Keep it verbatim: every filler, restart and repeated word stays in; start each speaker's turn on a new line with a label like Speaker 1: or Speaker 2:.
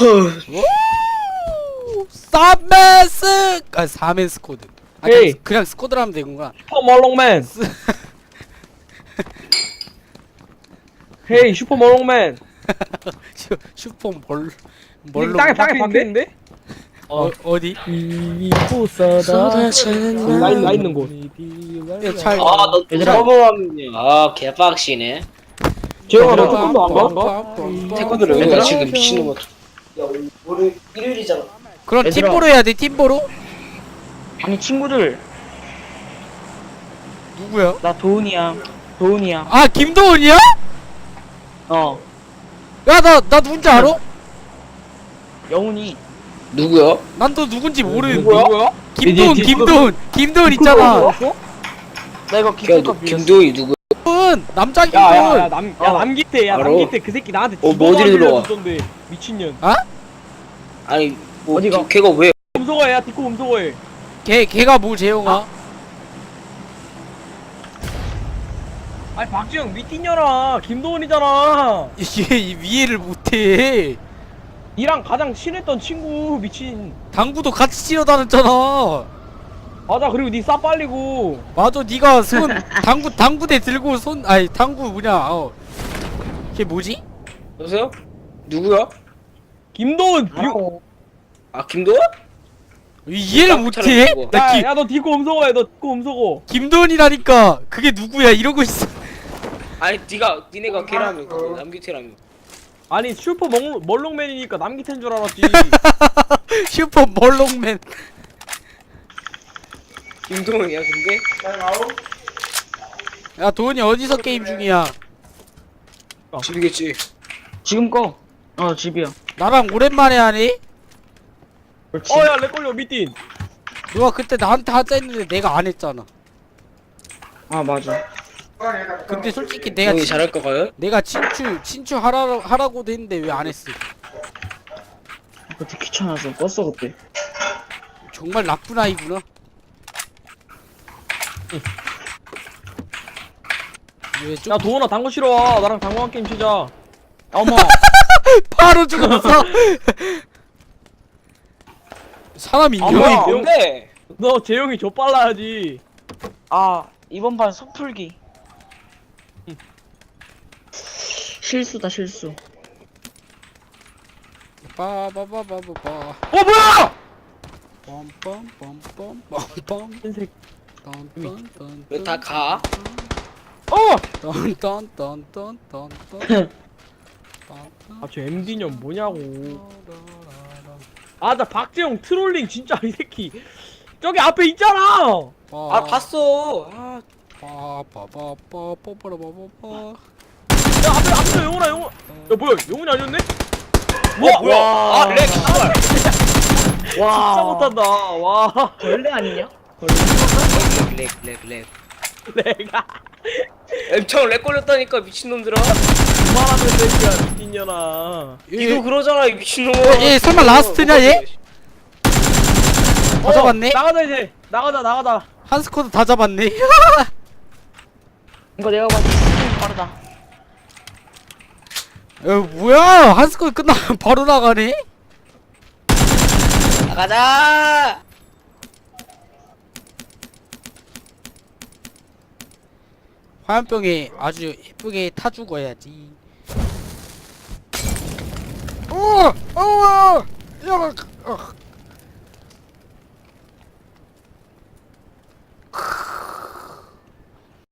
Speaker 1: 쌈맨스 아 사맨 스쿼드. 아 그냥,
Speaker 2: 에이.
Speaker 1: 그냥 스쿼드로 하면 되는구나.
Speaker 2: 슈퍼 멀롱맨. 헤이 슈퍼 멀롱맨.
Speaker 1: 슈, 슈퍼 멀
Speaker 2: 이
Speaker 1: 멀로
Speaker 2: 땅에 땅에 박혀있는데?
Speaker 1: 어 어디?
Speaker 2: 나, 있- 나 있는 곳.
Speaker 1: 야, 잘
Speaker 3: 아너
Speaker 2: 얘들아.
Speaker 3: 서버함이네. 아 개빡시네.
Speaker 2: 재영아 너
Speaker 1: 얘들아.
Speaker 2: 태권도 안 가?
Speaker 3: 태권도를 왜
Speaker 2: 얘들아.
Speaker 3: 가 지금 미친놈아. 야 오늘 일요일이잖아.
Speaker 1: 그럼
Speaker 4: 얘들아.
Speaker 1: 팀보로 해야 돼. 팀보로.
Speaker 4: 아니 친구들
Speaker 1: 누구야?
Speaker 4: 나 도훈이야 도훈이야
Speaker 1: 아 김도훈이야?
Speaker 4: 어
Speaker 1: 야 나 나 누군지 알아?
Speaker 4: 영훈이
Speaker 3: 누구야?
Speaker 1: 난 또 누군지 모르는데.
Speaker 2: 누구야?
Speaker 1: 김도훈
Speaker 2: 이제
Speaker 1: 김도훈 김도훈 있잖아.
Speaker 4: 나 이거
Speaker 3: 야
Speaker 4: 기프가
Speaker 3: 너
Speaker 4: 빌렸어
Speaker 3: 김도희 누구?
Speaker 1: 김도훈 남자
Speaker 2: 야야야
Speaker 1: 김도훈.
Speaker 2: 남
Speaker 4: 어.
Speaker 2: 야 남기태 야
Speaker 3: 알아.
Speaker 2: 남기태 그 새끼 나한테
Speaker 3: 어, 뭐 어디로 들어와?
Speaker 2: 던데 미친년.
Speaker 3: 아니 뭐
Speaker 4: 어디가?
Speaker 3: 저- 걔가 왜?
Speaker 2: 음소거해 야 디코 음소거해.
Speaker 1: 걔 걔가 뭐 재용아?
Speaker 2: 아니 박지영 미친년아 김도훈이잖아.
Speaker 1: 이게 이 이해를 못해.
Speaker 2: 니랑 가장 친했던 친구 미친.
Speaker 1: 당구도 같이 치러 다녔잖아.
Speaker 2: 맞아 그리고 니 싸 빨리고.
Speaker 1: 맞아 네가 손 당구 당구대 들고 손 아니 당구 뭐냐 어. 걔 뭐지?
Speaker 3: 여보세요? 누구야?
Speaker 2: 김도훈 비...
Speaker 3: 아 김도희?
Speaker 1: 이해를
Speaker 3: 딱
Speaker 1: 못해?
Speaker 3: 차려주고.
Speaker 1: 나 기,
Speaker 2: 야야너 디코 음소거해 너 디코 음소거.
Speaker 1: 김도훈이라니까 그게 누구야 이러고 있어.
Speaker 3: 아니 네가 니네가 걔라며 그거 남기태라며.
Speaker 2: 아니 슈퍼 멀, 멀롱맨이니까 남기태인 줄 알았지.
Speaker 1: 슈퍼 멀롱맨.
Speaker 3: 김도희야 근데?
Speaker 1: 야 도훈이 어디서 게임 중이야?
Speaker 3: 집이겠지.
Speaker 4: 지금 꺼어 집이야
Speaker 1: 나랑 오랜만에 하니?
Speaker 4: 그렇지
Speaker 2: 어야 렉걸려 미딘.
Speaker 1: 누가 그때 나한테 하자 했는데 내가 안 했잖아.
Speaker 4: 아 맞아
Speaker 1: 근데 솔직히 내가
Speaker 3: 도희
Speaker 1: 친,
Speaker 3: 잘할 거 가요?
Speaker 1: 내가 친추 친추 하라 하라고도 했는데 왜 안 했어?
Speaker 4: 그때 귀찮아서 껐어 그때
Speaker 1: 정말 나쁜 아이구나. 왜 좀
Speaker 2: 야 도훈아 당구 치러 와. 나랑 당구 한 게임 치자.
Speaker 4: 어머
Speaker 1: 바로 죽었어? 사람 있냐?
Speaker 2: 아무야.
Speaker 3: 도희 뭔데?
Speaker 2: 너 재영이 저 빨라야지.
Speaker 4: 아 이번 판 속풀기 실수다 실수
Speaker 1: 빠바바바바바
Speaker 2: 어 뭐야?
Speaker 1: 빰빰빰빰빰빰
Speaker 2: 흰색.
Speaker 1: 딴딴딴
Speaker 3: 왜 다 가?
Speaker 2: 어!
Speaker 1: 딴딴딴딴딴딴
Speaker 2: 아 저 엠디년 뭐냐고. 아 나 박재영 트롤링 진짜 이 새끼. 저기 앞에 있잖아.
Speaker 3: 아 봤어. 아
Speaker 1: 빠바바바바바바바바
Speaker 2: 야 앞에 앞에 영훈아 영훈. 야 뭐야 영훈이 아니었네?
Speaker 3: 뭐야 뭐야? 아렉 씨발.
Speaker 2: 진짜 못한다. 와
Speaker 4: 벌레 아니냐?
Speaker 3: 렉렉렉렉.
Speaker 2: 내가
Speaker 3: 엄청 렉 걸렸다니까 미친놈들아.
Speaker 2: 그만하면 되니까 미친년아.
Speaker 3: 니도 그러잖아 이 미친놈아.
Speaker 1: 얘 설마 라스트냐 얘? 다
Speaker 2: 어,
Speaker 1: 잡았네?
Speaker 2: 나가자 이제 나가자 나가자.
Speaker 1: 한 스쿼드 다 잡았네.
Speaker 4: 이거 내가 봐도 좀 빠르다
Speaker 1: 야 뭐야 한 스쿼드 끝나면 바로 나가네?
Speaker 3: 나가자.
Speaker 1: 화염병에 아주 예쁘게 타 죽어야지. 어! 어! 야! 어!